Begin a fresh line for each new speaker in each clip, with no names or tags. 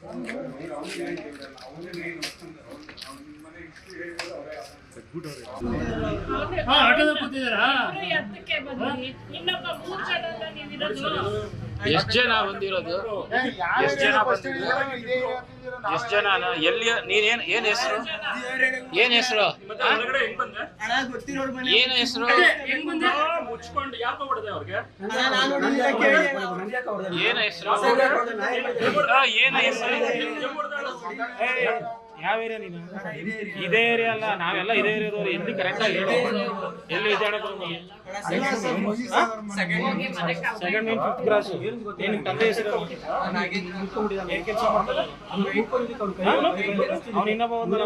ಎಷ್ಟು ಜನ ಬಂದಿರೋದು? ಎಷ್ಟು ಜನ ಎಲ್ಲಿ? ನೀನ್ ಏನ್ ಹೆಸರು? ಏನ್ ಹೆಸರು? ಏನ್ ಹೆಸರು? ಏನ್ ಹೆಸರು? ಏನ್ ಹೆಸರು? ಯಾವ ಏರಿಯಾ ನೀನು? ಇದೇ ಏರಿಯಾ ಅಲ್ಲ, ನಾವೆಲ್ಲ ಇದೇ ಏರಿಯಾದವ್ರು. ಎಲ್ಲಿ ಕರೆಕ್ಟ್ ಆಗಿ ಹೇಳಿ, ಎಲ್ಲಿ Vijayanagara? Second main 5th cross. ಏನ್ ತಂದೆ ಹೆಸರು? ಏನ್ ಕೆಲಸ ಮಾಡ್ತಾರೆ? ಅವ್ನು ಇನ್ನೊಬ್ಬ ಬಂದ.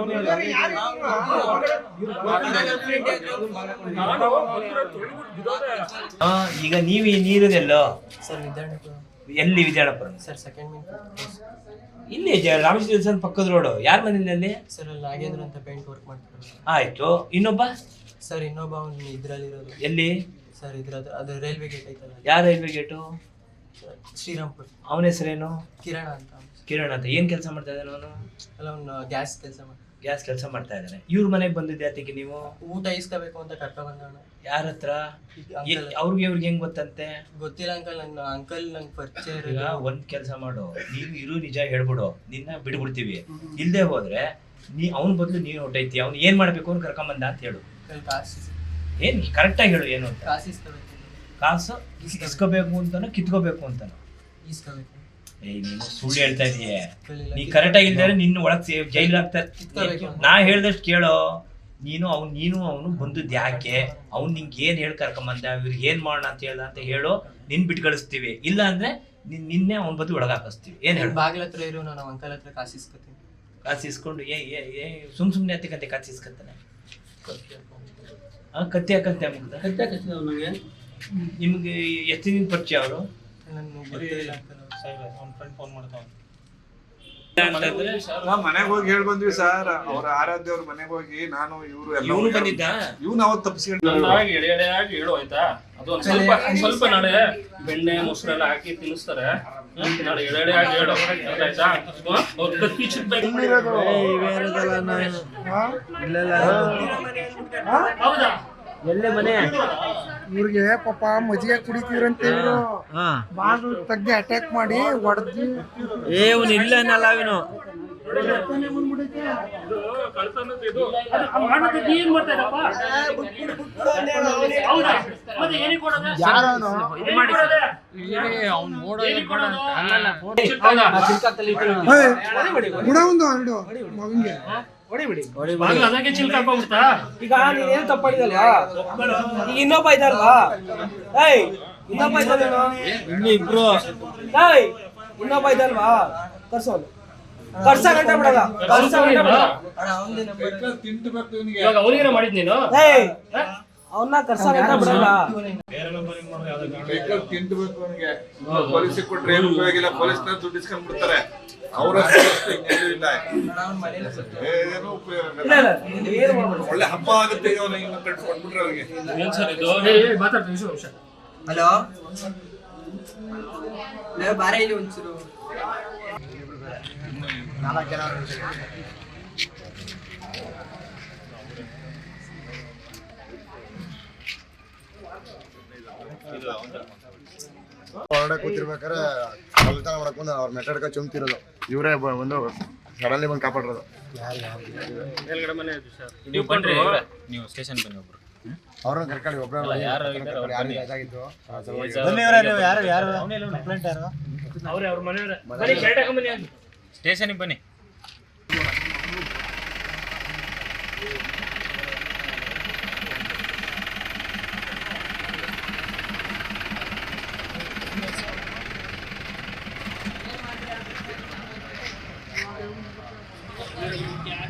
ಈಗ ನೀವು ನೀರಿದೆಲ್ಲೋ
ಸರ್? ವಿದ್ಯಾರ್ಥಿ.
ಎಲ್ಲಿ? Vidyarthipura
sir second main 5th.
ಇಲ್ಲಿ ರಾಮಕೃಷ್ಣ ಪಕ್ಕದ ರೋಡು. ಯಾರ ಮನೇಲಿ ಅಲ್ಲಿ?
ಸರ್ ಅಲ್ಲಿ ನಾಗೇಂದ್ರ ಅಂತ ಪೇಂಟ್ ವರ್ಕ್ ಮಾಡ್ತಾರೆ.
ಆಯ್ತು. ಇನ್ನೊಬ್ಬ?
ಸರ್ ಇನ್ನೊಬ್ಬ ಅವ್ನು ಇದ್ರಲ್ಲಿರೋದು.
ಎಲ್ಲಿ?
ಸರ್ ಇದ್ರದ್ದು ಅದು ರೈಲ್ವೆ ಗೇಟ್ ಐತಲ್ಲ.
ಯಾವ ರೈಲ್ವೆ ಗೇಟು?
ಶ್ರೀರಾಮ್ಪುರ.
ಅವನ ಹೆಸರೇನು?
ಕಿರಣ ಅಂತ.
ಕಿರಣ್ ಅಂತ. ಏನ್ ಕೆಲಸ ಮಾಡ್ತಾ ಇದ್ದಾನೆ ಅವನು?
ಅಲ್ಲ ಅವ್ನು ಗ್ಯಾಸ್ ಕೆಲಸ ಮಾಡ್ತಾನೆ.
ಗ್ಯಾಸ್ ಕೆಲಸ ಮಾಡ್ತಾ ಇದ್ದಾನೆ. ಇವ್ರ ಮನೆಗೆ ಬಂದಿದ್ದೆ ಅದಕ್ಕೆ ನೀವು
ಊಟ ಇಸ್ಕೋಬೇಕು ಅಂತ ಕರ್ಕೊ ಬಂದವಣ.
ಯಾರ ಹತ್ರ? ಅವ್ರಿಗೆ ಹೆಂಗ್ ಗೊತ್ತಂತೆ?
ಗೊತ್ತಿಲ್ಲ ಅಂಕಲ್. ನನ್ನ ಅಂಕಲ್ ನಂಗೆ ಪರಿಚಯ.
ಈಗ ಒಂದ್ ಕೆಲಸ ಮಾಡು, ನೀನು ಇರು ನಿಜ ಹೇಳ್ಬಿಡು, ನಿನ್ನ ಬಿಡ್ಬಿಡ್ತೀವಿ. ಇಲ್ದೇ ಹೋದ್ರೆ ಅವ್ನ ಬದಲು ನೀನು ಹೊಟ್ಟೈತಿ. ಅವ್ನು ಏನ್ ಮಾಡ್ಬೇಕು ಅಂತ ಕರ್ಕೊಂಬಂದ ಅಂತ ಹೇಳು. ಏನ್ ಕರೆಕ್ಟ್ ಆಗಿ ಹೇಳು ಏನು ಅಂತ.
ಕಾಸು ಇಸ್ಕೋಬೇಕು.
ಕಾಸು ಇಸ್ಕೋಬೇಕು ಅಂತಾನೋ ಕಿತ್ಕೋಬೇಕು ಅಂತಾನೋ?
ಇಸ್ಕೋಬೇಕು.
ನೀನು ಸುಳ್ಳು ಹೇಳ್ತಾ ಇದೀಯ. ನೀ ಕರೆಕ್ಟ್ ಆಗಿ ಇಲ್ದಾರೆ ನಿನ್ನ ಒಳಗ್ ಜೈಲ್ ಹಾಕ್ತಾರೆ. ನಾ ಹೇಳ್ದಷ್ಟು ಕೇಳೋ. ನೀನು ಅವನು ಬಂದದ್ದು ಯಾಕೆ? ಅವ್ನು ನಿಂಗೆ ಏನ್ ಹೇಳಿ ಕರ್ಕೊಂಬಂದ, ಇವ್ರಿಗೆ ಏನ್ ಮಾಡೋಣ ಅಂತ ಹೇಳ್ದ ಅಂತ ಹೇಳು. ನಿನ್ ಬಿಟ್ಟು ಕಳಿಸ್ತೀವಿ. ಇಲ್ಲ ಅಂದ್ರೆ ನಿನ್ನೆ ಅವ್ನ ಬದ್ದು ಒಳಗೆ ಹಾಕಿಸ್ತೀವಿ. ಏನ್ ಹೇಳು?
ಬಾಗಿಲ ಹತ್ರ ಇರು, ನಾನು ಅಂಕಲ್ ಹತ್ರ ಕಾಸು ಇಸ್ಕೊತೀನಿ.
ಕಾಸು ಇಸ್ಕೊಂಡು ಸುಮ್ನೆ ಹತ್ತಿಕಂತೆ ಕಾಸು ಇಸ್ಕೊತಾನೆ. ಕತ್ತಿ ಹಾಕಂತೆ ಮುಗ್ದ. ನಿಮ್ಗೆ ಎಷ್ಟು ದಿನ ಪರಿಚಯ ಅವರು?
ನನ್ನ ಗೊತ್ತಿಲ್ಲ ಅಂಕಲ್.
ಮನೆಗೆ ಹೋಗಿ ಹೇಳ್ ಬಂದ್ವಿ ಸರ್. ಅವ್ರ ಆರಾಧ್ಯ ಅವ್ರ ಮನೆಗೆ ಹೋಗಿ ನಾನು ಇವ್ರು
ಬಂದಿದ್ದ.
ಇವ್ನು ಅವತ್ತು ತಪ್ಪಿಸ್ಕೊಂಡು
ಎಳೆಯಾಗಿ ಹೇಳು ಆಯ್ತಾ. ಅದು ಒಂದ್ ಸ್ವಲ್ಪ ನಾಳೆ ಬೆಣ್ಣೆ ಮೊಸರೆಲ್ಲ ಹಾಕಿ ತಿನ್ನಿಸ್ತಾರೆ. ನಾಳೆ ಎಳೆಯಾಗಿ ಹೇಳು ಆಯ್ತಾ. ಅವ್ರ ಕತ್ತಿ ಚಿಕ್ಬೇಕು. ಹೌದಾ?
ಎಲ್ಲೇ ಮನೆ?
ಇವ್ರಿಗೆ ಪಾಪ ಮಜ್ಜಿಗೆ ಕುಡಿತೀರಂತ ಇವ್ರು ಬಾಗಿಲು ತಗ್ಗಿ ಅಟ್ಯಾಕ್ ಮಾಡಿ ಹೊಡೆದು
ಇಲ್ಲ ಅನ್ನಲ್ಲ ಅವನು.
ಮಗಂಗೆ
ಅದಕ್ಕೆ ಚಿಲ್ಕ ಹಾಕೋಗ್ಬಿಡ್ತಾ?
ಈಗ ನೀನೇನ್ ತಪ್ಪಾಡಿದಲ್ಲ. ಈಗ ಇನ್ನೊಬ್ಬ ಇದ್ದಾರಲ್ವಾ? ಇನ್ನೊಬ್ಬ ಇದ್ದಾರೇನೋ?
ಇಬ್ರು
ಇನ್ನೊಬ್ಬ ಇದ್ದಲ್ವಾ? ಕರ್ಸೋನು ಕರ್ಸ ಗಂಟೆ ಬಿಡಲ್ಲ. ಕರ್ಸ ಗಂಟೆ ಬಿಡಲ್ಲ.
ಇವಾಗ ಅವ್ರಿಗೇನೋ ಮಾಡಿದ್ ನೀನು?
ಅವನ್ನ ಕರ್ಸ ಗಂಟೆ ಬಿಡಲ್ಲ.
ತಿಂದ್ಬೇಕು ಅವನಿಗೆ. ಪೊಲೀಸಿಗೆ ಕೊಟ್ರೆ ಏನು ಉಪಯೋಗ ಇಲ್ಲ. ಪೊಲೀಸ್ನ ದುಡ್ಡು ಇಸ್ಕೊಂಡ್ ಬಿಡ್ತಾರೆ. ಅವರ ಒಳ್ಳೆ ಹಬ್ಬ ಆಗುತ್ತೆ. ಕಟ್ಕೊಂಡ್ಬಿಟ್ರೆ ಅವ್ರಿಗೆ.
ಹಲೋ ಬಾರ ಇಲ್ಲಿ ಒಂಚೂರು.
ಹೊರಗಡೆ ಕೂತಿರ್ಬೇಕಾದ್ರೆ ಕಳ್ತನ ಮಾಡಕೊಂಡು ಅವ್ರ ಮೆಟ್ಟಡ್ಕ ಚುಮ್ತಿರೋದು. ಇವರೇ ಒಂದು ಸಡನ್ಲಿ ಬಂದು ಕಾಪಾಡಿರೋದು.
ನೀವು ಸ್ಟೇಷನ್ ಬನ್ನಿ. ಒಬ್ರು
ಅವ್ರನ್ನ ಕರ್ಕೊಳ್ಳಿ. ಒಬ್ಬರು
ಸ್ಟೇಷನ್ಗೆ ಬನ್ನಿ.